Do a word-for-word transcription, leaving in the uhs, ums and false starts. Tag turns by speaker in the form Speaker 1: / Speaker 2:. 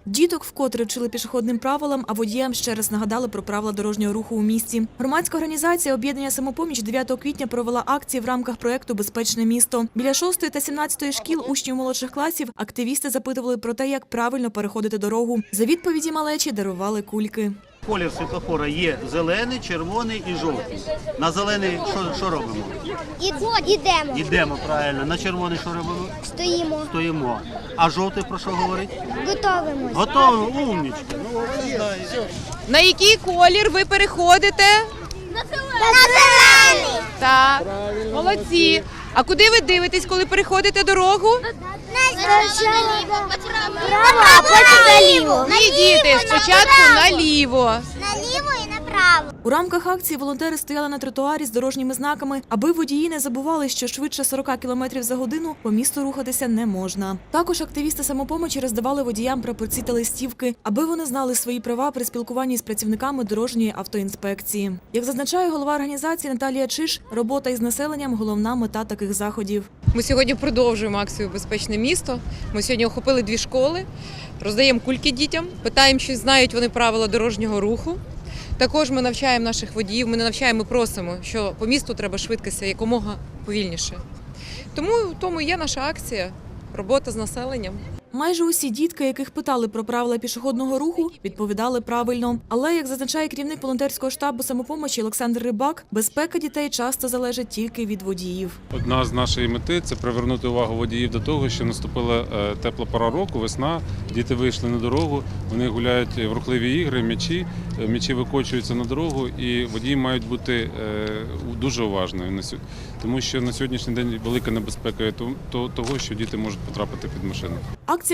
Speaker 1: Діток вкотре вчили пішохідним правилам, а водіям ще раз нагадали про правила дорожнього руху у місті. Громадська організація «Об'єднання «Самопоміч» дев'ятого квітня провела акції в рамках проєкту «Безпечне місто». Біля шостої та сімнадцятої шкіл учнів молодших класів активісти запитували про те, як правильно переходити дорогу. За відповіді малечі дарували кульки.
Speaker 2: Колір світлофора є зелений, червоний і жовтий. На зелений що, що робимо?
Speaker 3: Ідемо.
Speaker 2: Йдемо, правильно. На червоний що робимо?
Speaker 3: Стоїмо.
Speaker 2: Стоїмо. А жовтий про що говорить?
Speaker 3: Готовимось.
Speaker 2: Готово, умнічка. Ну,
Speaker 4: На який колір ви переходите?
Speaker 3: На зелений.
Speaker 4: Так, молодці. А куди ви дивитесь, коли переходите дорогу?
Speaker 3: Право, а потім наліво.
Speaker 4: Ні, діти, спочатку наліво.
Speaker 3: Наліво і направо.
Speaker 1: У рамках акції волонтери стояли на тротуарі з дорожніми знаками, аби водії не забували, що швидше сорока кілометрів за годину по місту рухатися не можна. Також активісти «Самопомочі» роздавали водіям прапорці та листівки, аби вони знали свої права при спілкуванні з працівниками дорожньої автоінспекції. Як зазначає голова організації Наталія Чиш, робота із населенням – головна мета таких заходів.
Speaker 4: Ми сьогодні продовжуємо акцію «Безпечне місто». Ми сьогодні охопили дві школи, роздаємо кульки дітям, питаємо, чи знають вони правила дорожнього руху. Також ми навчаємо наших водіїв, ми не навчаємо, ми просимо, що по місту треба швидкості якомога повільніше. Тому в тому і є наша акція – робота з населенням.
Speaker 1: Майже усі дітки, яких питали про правила пішохідного руху, відповідали правильно. Але, як зазначає керівник волонтерського штабу «Самопомочі» Олександр Рибак, безпека дітей часто залежить тільки від водіїв.
Speaker 5: Одна з нашої мети – це привернути увагу водіїв до того, що наступила е, тепла пора року, весна, діти вийшли на дорогу, вони гуляють в рухливі ігри, м'ячі, е, м'ячі викочуються на дорогу, і водії мають бути е, дуже уважними, тому що на сьогоднішній день велика небезпека того, що діти можуть потрапити під машину.